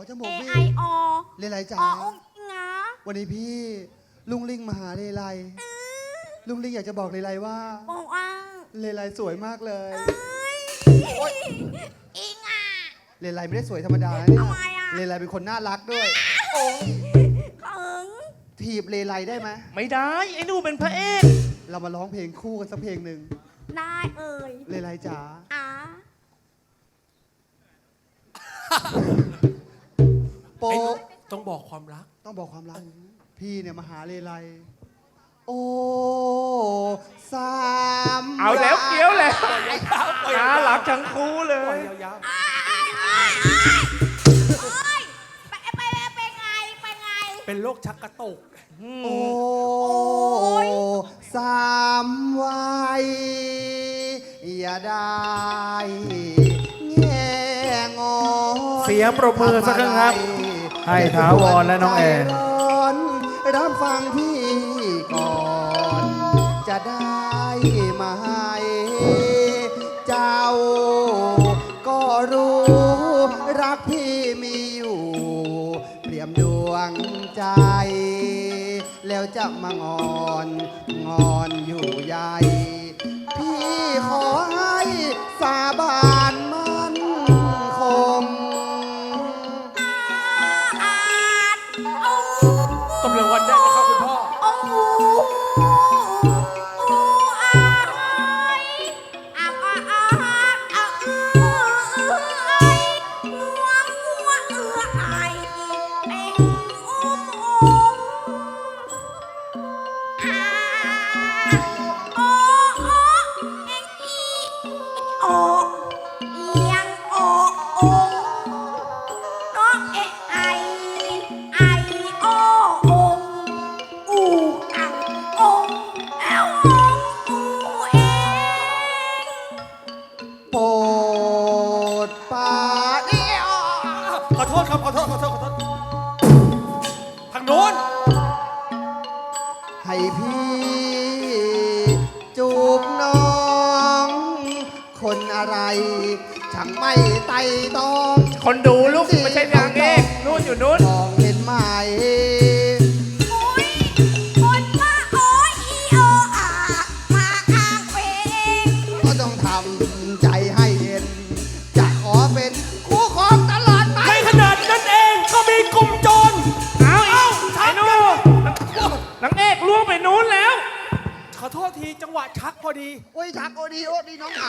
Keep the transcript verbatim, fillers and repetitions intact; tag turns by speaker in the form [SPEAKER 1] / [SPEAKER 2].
[SPEAKER 1] จมูก
[SPEAKER 2] A
[SPEAKER 1] พี่
[SPEAKER 2] I O
[SPEAKER 1] เลไลจ๋า
[SPEAKER 2] อองงา
[SPEAKER 1] วันนี้พี่ลุงลิงมาหาเลไลลุงลิงอยากจะบอกเลไลว่า
[SPEAKER 2] บอกว่า
[SPEAKER 1] เลไลสวยมากเลย
[SPEAKER 2] เอ้ยอิงอ่ะ
[SPEAKER 1] เลไลไม่ได้สวยธรรมดานะเนี่ย
[SPEAKER 2] ทำไมอะ
[SPEAKER 1] เลไลเป็นคนน่ารักด้วยโอ้ย
[SPEAKER 2] เขิง
[SPEAKER 1] ถีบเลไลได้ไหม
[SPEAKER 3] ไม่ได้ไอ้หนูเป็นพระเอก
[SPEAKER 1] เรามาร้องเพลงคู่กันสักเพลงหนึ่ง
[SPEAKER 2] ได้เอ่ย
[SPEAKER 1] เลไลจ๋า
[SPEAKER 2] อ่ะ
[SPEAKER 1] โป
[SPEAKER 4] ต้องบอกความรัก
[SPEAKER 1] ต้องบอกความรักพี่เนี่ยมาหาเลไลโอ้สาม
[SPEAKER 3] เอาแล้วเกี้ยวแล้ว
[SPEAKER 4] ปล่อย
[SPEAKER 3] น่ารักทั้งคู่เล
[SPEAKER 4] ปล่อย
[SPEAKER 3] ย
[SPEAKER 4] ยาว
[SPEAKER 2] เอ้ยไปไปไปไงไปไง
[SPEAKER 4] ๆเป็นโรคชักกระตุก
[SPEAKER 1] โอ้
[SPEAKER 2] ย
[SPEAKER 1] สามวัยอย่าได้แง่งอน
[SPEAKER 5] เสียงปรบมือสักครั้งครับให้ถาวรและน้องแอน
[SPEAKER 1] ใจร้อนรับฟังพี่ก่อน จะได้ไหมเจ้าก็รู้รักพี่มีอยู่เปรียมดวงใจ แล้วจะมางอนงอนอยู่ใหญ่ พี่ขอให้สาบานมั่นคง
[SPEAKER 2] อาจโอ้
[SPEAKER 4] กำลังวันได้นะครับคุณพ่อ
[SPEAKER 2] โอ้โอ้อายอาอาอาอาเอื้อเอื้อไองัวงัวเอื้อไอเป็นอุ้มอุ้มอาโอ้โอ้เอ็งอีโอเอียงโอโอ น้องเอไอไอโอองอูอังองเอลองอูเอง
[SPEAKER 1] โปรดปาเดียว
[SPEAKER 4] ขอโทษครับ ขอโทษ ขอโทษ ขอโทษ ทางโน้น
[SPEAKER 1] ให้พี่จูบน้อง คนอะไรช่างไม่ไต่ตอง
[SPEAKER 3] คนดูลูกไม่ใช่นางเอกนู่นอยู่นู่น
[SPEAKER 1] มองเห็นไหม
[SPEAKER 2] โอ้ยคนว่าโอ้ยอีโออามาอ้างเพลง
[SPEAKER 1] ก็ต้องทำใจให้เห็น จะขอเป็นคู่ครองตลอดไป
[SPEAKER 4] ในขนาดนั้นเองก็มีกลุ่มโจร
[SPEAKER 3] เอาอีกไอ้หนูนางเอกล่วงไปนู้นแล้ว
[SPEAKER 4] ขอโทษทีจังหวะชักพอดี
[SPEAKER 1] โอ้ยชักโอดีโอดีน้องท